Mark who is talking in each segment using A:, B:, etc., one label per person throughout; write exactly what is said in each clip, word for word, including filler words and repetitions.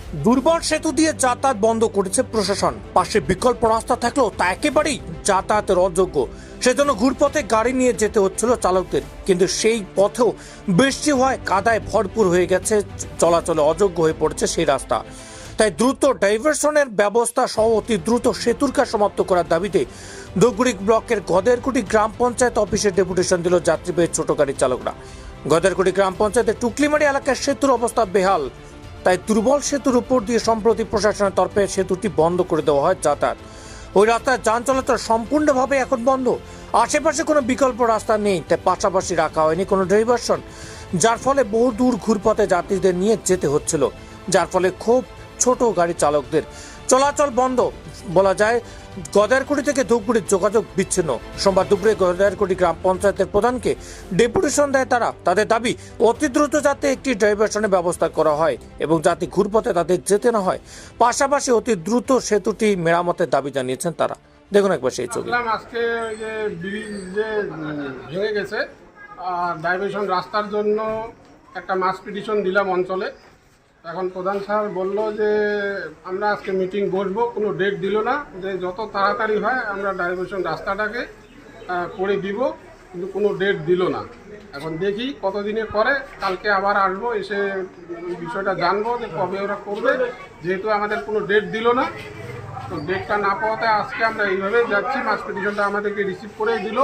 A: দুর্বল সেতু দিয়ে যাতায়াত বন্ধ করেছে প্রশাসন। পাশে বিকল্প রাস্তা থাকলেও তা একেবারেই যাতায়াতের অযোগ্য। সেজন্য ঘুরপথে গাড়ি নিয়ে যেতে হচ্ছিল চালকদের। কিন্তু সেই পথেও বৃষ্টি হওয়ায় কাদায় ভরপুর হয়ে গেছে, চলাচলে অযোগ্য হয়ে পড়েছে সেই রাস্তা। তাই দ্রুত ডাইভারশনের ব্যবস্থা সহ অতি দ্রুত সেতুর কাজ সমাপ্ত করার দাবিতে ধূপগুড়ি ব্লকের গদেরকুটি গ্রাম পঞ্চায়েত অফিসে ডেপুটেশন দিল যাত্রীবাহী ছোট গাড়ির চালকরা। গদেরকুটি গ্রাম পঞ্চায়েতের টুকলিমারি এলাকার সেতুর অবস্থা বেহাল। তাই দুর্বল সেতুর উপর দিয়ে সম্প্রতি প্রশাসনের তরফে সেতুটি বন্ধ করে দেওয়া হয় যাতায়াত। ওই রাস্তায় যান চলাচল সম্পূর্ণভাবে এখন বন্ধ। আশেপাশে কোনো বিকল্প রাস্তা নেই, তাই পাশাপাশি রাখা হয়নি কোনো ডাইভারশন, যার ফলে বহু দূর ঘুরপথে যাত্রীদের নিয়ে যেতে হচ্ছিল, যার ফলে খুব ছোট গাড়ি চালকদের চলাচল বন্ধ। বলা যায় গদেরকুটি থেকে ধূপগুড়ির যোগাযোগ বিচ্ছিন্ন। সোমবার দুপুরে গদেরকুটি গ্রাম পঞ্চায়েতের প্রধানকে ডেপুটেশন দেয় তারা। তাদের দাবি অতি দ্রুত যাতে একটি ডাইভারশনের ব্যবস্থা করা হয় এবং যাতে ঘুরপথে তাদের যেতে না হয়। পাশাপাশি অতি দ্রুত সেতুটি মেরামতের দাবি জানিয়েছেন তারা। দেখুন একবার সেই ছবি।
B: আজকে যে ব্রিজ যে ভেঙে গেছে, ডাইভারশন রাস্তার জন্য একটা মাস পিটিশন দিলাম অঞ্চলে। এখন প্রধান স্যার বলল যে আমরা আজকে মিটিং বসবো, কোনো ডেট দিল না, যে যত তাড়াতাড়ি হয় আমরা ডাইভারশন রাস্তাটাকে করে দিব, কিন্তু কোনো ডেট দিল না। এখন দেখি কতদিনে করে, কালকে আবার আসবো, এসে বিষয়টা জানবো যে কবে ওরা করবে, যেহেতু আমাদের কোনো ডেট দিল না। তো ডেটটা না পাওয়াতে আজকে আমরা এইভাবে যাচ্ছি। মাস পিটিশনটা আমাদেরকে রিসিভ করে দিল।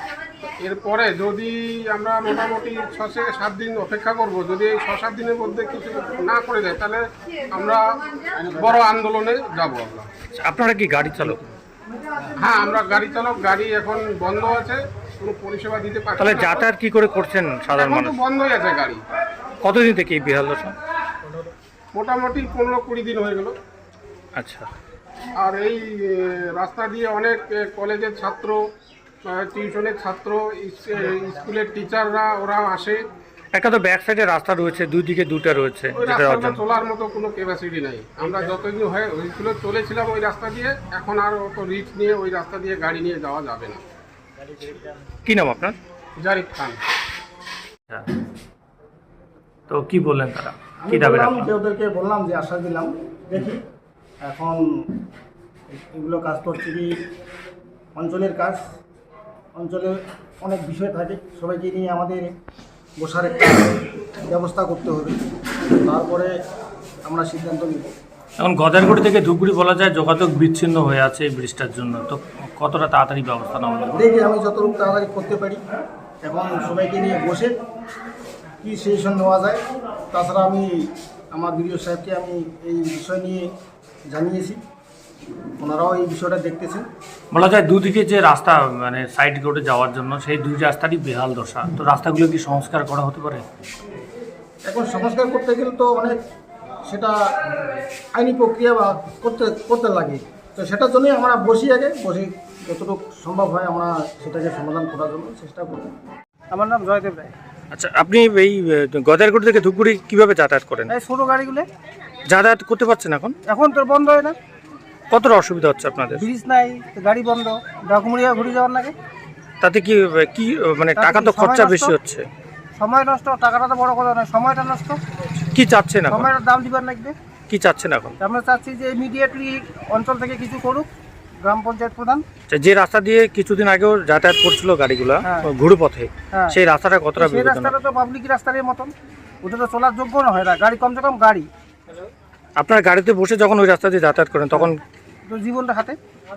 B: এরপরে যদি আমরা মোটামুটি ছ থেকে সাত দিন অপেক্ষা করব, যদি এই ছ সাত দিনের মধ্যে কিছু না করে দেয় তাহলে আমরা বড় আন্দোলনে যাব। আমরা
A: আপনারা কি গাড়ি চালক?
B: হ্যাঁ, আমরা গাড়ি চালক। গাড়ি এখন বন্ধ আছে, কোনো পরিষেবা দিতে পারছি না।
A: তাহলে যাতায়াত কি করে করছেন সাধারণ
B: এখন তো
A: মানুষ?
B: বন্ধই আছে গাড়ি।
A: কতদিন থেকে এই বেহাল দশা?
B: মোটামুটি পনেরো কুড়ি দিন হয়ে গেল।
A: আচ্ছা,
B: আর এই এ, রাস্তা দিয়ে অনেক এ, কলেজের ছাত্র, টিউশনের ছাত্র, স্কুলের টিচাররা ওরা আসে।
A: একটা তো ব্যাক সাইডে রাস্তা রয়েছে, দুই দিকে দুটো রয়েছে,
B: ওই
A: যেটা
B: রাস্তাটা
A: অর্জন।
B: চলার মতো কোনো ক্যাপাসিটি নাই। আমরা যতদিন হয় হয়েছিল চলেছিলাম ওই রাস্তা দিয়ে, এখন আর অত রিস্ক নিয়ে ওই রাস্তা দিয়ে গাড়ি নিয়ে যাওয়া যাবে না।
A: কি নাম আপনার?
B: জারিফ খান।
A: তো কি বললেন তারা, কি দাবি
C: বললাম
A: রাখলেন?
C: যে ওদেরকে বললাম যে আশা দিলাম, দেখি এখন এগুলো কাজ করছে কি অঞ্চলের কাজ, অঞ্চলে অনেক বিষয় থাকে, সবাইকে নিয়ে আমাদের বসার একটা ব্যবস্থা করতে হবে, তারপরে আমরা সিদ্ধান্ত নিব।
A: এখন গদারগুড়ি থেকে ধূপগুড়ি বলা যায় যোগাযোগ বিচ্ছিন্ন হয়ে আছে এই বৃষ্টির জন্য, তো কতটা তাড়াতাড়ি ব্যবস্থা নেওয়া হবে?
C: দেখি আমি যতটুকু তাড়াতাড়ি করতে পারি, এখন সবাইকে নিয়ে বসে কী সেশন নেওয়া যায়। তাছাড়া আমি আমার বিডিও সাহেবকে আমি এই বিষয় নিয়ে জানিয়েছি, ওনারাও এই বিষয়টা দেখতেছেন।
A: বলা যায় দুদিকে যে রাস্তা মানে সাইড রোডে যাওয়ার জন্য সেই দুই রাস্তারই বেহাল দশা, তো রাস্তাগুলো কি সংস্কার করা হতে পারে?
C: এখন সংস্কার করতে গেলে তো অনেক সেটা আইনি প্রক্রিয়া বা করতে করতে লাগে, তো সেটার জন্যই আমরা বসি, আগে বসি যতটুকু সম্ভব হয় আমরা সেটাকে সমাধান করার জন্য চেষ্টা করি।
D: আমার নাম জয়দেব রায়।
A: আচ্ছা, আপনি এই গদারগুড়ি থেকে ধূপগুড়ি কিভাবে যাতায়াত করেন?
D: এই ছোটো গাড়িগুলো
A: যাতায়াত করতে পারছেন এখন?
D: এখন তো বন্ধ হয় না,
A: কতটা অসুবিধা হচ্ছে আপনাদের?
D: ব্রিজ নাই, তো গাড়ি বন্ধ, ডাকুমুড়িয়া ঘুরে যাওয়ার লাগে।
A: তাতে কি কি মানে
D: তাতে
A: টাকা
D: কি
A: তো
D: সময়
A: খরচা
D: নষ্ট?
A: বেশি হচ্ছে।
D: সময় নষ্ট, টাকাটা তো বড় কথা নয়, সময়টা নষ্ট।
A: কি চাচ্ছেন এখন?
D: সময়টার দাম দিবার লাগবে।
A: কি চাচ্ছেন এখন?
D: আমরা চাচ্ছি যে ইমিডিয়েটলি অঞ্চল থেকে কিছু করুক গ্রাম পঞ্চায়েত প্রধান।
A: আচ্ছা, যে রাস্তা দিয়ে কিছুদিন আগেও যাতায়াত করছিল গাড়িগুলা
D: হ্যাঁ।
A: ঘুরু পথে,
D: হ্যাঁ।
A: সেই রাস্তাটা কতটা
D: সেই
A: বিপজ্জনক?
D: রাস্তাটা তো পাবলিক রাস্তার মতন, ওটা তো চলার যোগ্য না হয় না, গাড়ি কমসে কম গাড়ি
A: আপনার গাড়িতে বসে যখন ওই রাস্তা দিয়ে যাতায়াত করেন তখন
D: তো জীবনটা হাতে।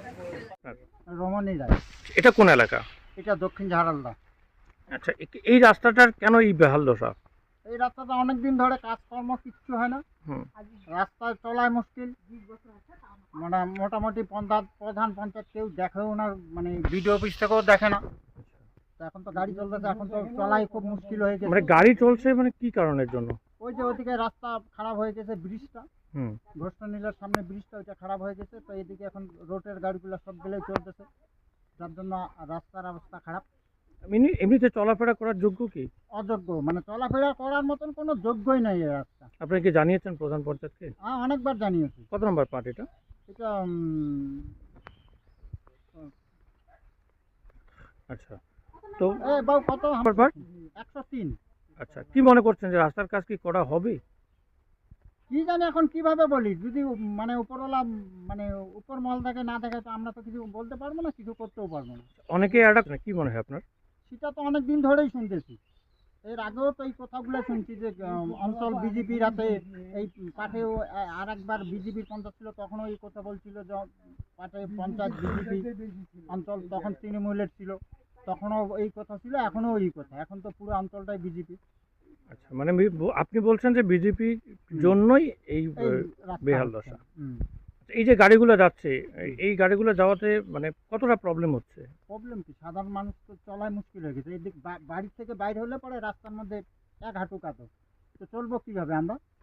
C: রমণী যায়,
A: এটা কোন এলাকা?
C: এটা দক্ষিণ ঝাড়ালদা।
A: আচ্ছা, এ- এই রাস্তাটার কেন এই বেহাল দশা?
C: এই রাস্তাটা অনেক দিন ধরে কাজকর্ম কিচ্ছু হয় না,
A: হুম।
C: রাস্তায় চলায় মুশকিল। মানে মোটামুটি পঞ্চায়েত প্রধান পঞ্চায়েত কেউ দেখেও না, মানে বিডিও অফিস থেকেও দেখে না। তো এখন তো গাড়ি চলতেছে, এখন তো চলাই খুব মুশকিল হয়ে
A: মানে
C: গেছে।
A: গাড়ি চলছে মানে কি কারণের জন্য?
C: ওই যে ওইদিকে রাস্তা খারাপ হয়ে গেছে, ব্রিজটা
A: হুম।
C: ঘোষণা নীলার সামনে ব্রিজটা ওইটা খারাপ হয়ে গেছে, তো এদিকে এখন রোডের গাড়িগুলো সবগুলোই চলতেছে, যার জন্য রাস্তার অবস্থা খারাপ।
A: এমনি এমনিতে চলাফেরা করার যোগ্য কি?
C: অযোগ্য, মানে চলাফেরা করার মতন কোনো যোগ্যই নাই এই রাস্তা।
A: আপনি কি জানিয়েছেন প্রধান পঞ্চায়েতকে?
C: হ্যাঁ, অনেকবার জানিয়েছি।
A: কত নম্বর পার্ট এটা?
C: এটা উম,
A: আচ্ছা, তো
C: এ বাবু কত
A: নম্বর পার্ট?
C: একশো তিন।
A: আচ্ছা, কি মনে করছেন যে রাস্তার কাজ কি করা হবে?
E: কি জানি এখন কিভাবে বলি, যদি মানে উপরওয়ালা মানে উপর মহল থেকে না দেখে তো আমরা তো কিছু বলতে পারবো না, কিছু করতেও পারবো না।
F: অনেকে এটা কি মনে হয় আপনার?
E: সেটা তো অনেক দিন ধরেই শুনতেছি, এর আগেও তো এই কথাগুলো শুনছি যে আম, অঞ্চল বিজেপির হাতে এই পাঠেও আর একবার বিজেপির পঞ্চায়েত ছিল, তখনও এই কথা বলছিল যে পাঠে পঞ্চায়েত বিজেপি অঞ্চল, তখন তৃণমূলের ছিল, তখনও এই কথা ছিল, এখনও এই কথা, এখন তো পুরো অঞ্চলটাই বিজেপি।
F: আচ্ছা, মানে বি- আপনি বলছেন যে বিজেপি জন্যই এই
E: এই
F: আহ,
E: রাস্তা
F: বেহাল
E: হচ্ছে।
F: দশা।
E: হুম।
F: এই যে গাড়িগুলো যাচ্ছে, এই- এই গাড়িগুলো যাওয়াতে মানে কতটা প্রবলেম হচ্ছে?
E: প্রবলেম কি, সাধারণ মানুষ তো চলাই মুশকিল হয়ে গেছে, এদিক বা- বাড়ির থেকে বাইরে হলে পরে রাস্তার মধ্যে এক হাঁটু কাতো, তো চলবো কিভাবে আমরা?